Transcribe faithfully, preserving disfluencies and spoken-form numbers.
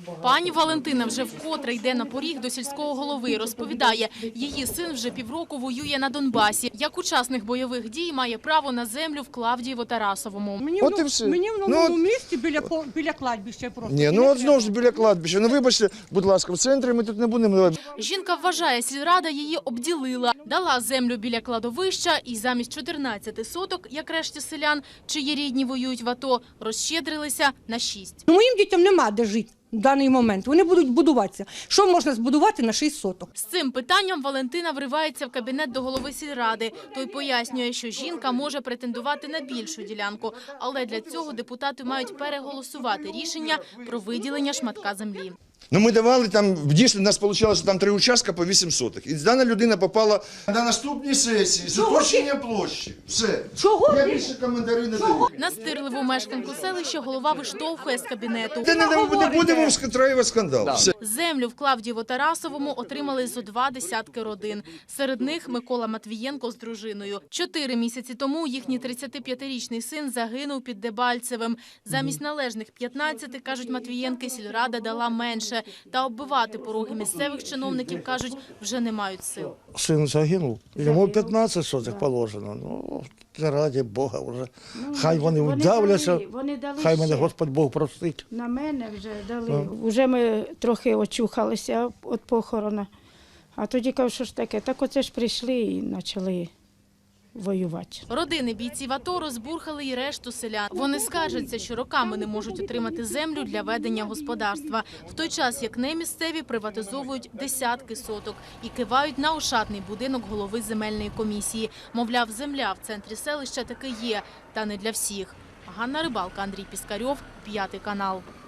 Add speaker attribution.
Speaker 1: Пані Валентина вже вкотре йде на поріг до сільського голови. Розповідає, її син вже півроку воює на Донбасі. Як учасник бойових дій має право на землю в Клавдієво-Тарасовому.
Speaker 2: Мені,
Speaker 3: От
Speaker 2: в,
Speaker 3: і все.
Speaker 2: мені в
Speaker 3: Ну,
Speaker 2: новому
Speaker 3: от-
Speaker 2: місті біля, по- біля кладбища просто.
Speaker 3: Ні, ну от знову ж біля кладбища. Ну вибачте, будь ласка, в центрі ми тут не будемо.
Speaker 1: Жінка вважає, сільрада її обділила. Дала землю біля кладовища і замість чотирнадцяти соток, як решті селян, чиї рідні воюють в АТО, розщедрилися на шість.
Speaker 2: Ну, моїм дітям нема де жити в даний момент. Вони будуть будуватися. Що можна збудувати на шість соток?
Speaker 1: З цим питанням Валентина вривається в кабінет до голови сільради. Той пояснює, що жінка може претендувати на більшу ділянку, але для цього депутати мають переголосувати рішення про виділення шматка землі.
Speaker 3: Ну ми давали там, дійсно, у нас вийшло, що там три участка по вісім соток. І дана людина попала на наступній сесії з уточнення площі. Все.
Speaker 2: Чого?
Speaker 3: Я більше коментарі не даю.
Speaker 1: Настирливу мешканку селища голова виштовхує з кабінету.
Speaker 3: Та не, не, не будемо вскотраювати скандал. Все.
Speaker 1: Землю в Клавдієво-Тарасовому отримали зо два десятки родин. Серед них Микола Матвієнко з дружиною. Чотири місяці тому їхній тридцятип'ятирічний син загинув під Дебальцевим. Замість належних п'ятнадцяти, кажуть Матвієнки, сільрада дала менше. Та оббивати пороги місцевих чиновників, кажуть, вже не мають сил.
Speaker 4: Сын загинув, йому п'ятнадцять сотих положено. Ну, раді Бога вже. Хай вони вдавляться, хай мене Господь Бог простить.
Speaker 5: На мене вже дали. Вже ми трохи очухалися від похорона. А тоді кажу, що ж таке, так оце ж прийшли і почали воювати.
Speaker 1: Родини бійців АТО розбурхали і решту селян. Вони скаржаться, що роками не можуть отримати землю для ведення господарства. В той час, як немісцеві приватизовують десятки соток і кивають на ошатний будинок голови земельної комісії. Мовляв, земля в центрі селища таки є, та не для всіх. Ганна Рибалка, Андрій Піскарьов, П'ятий канал.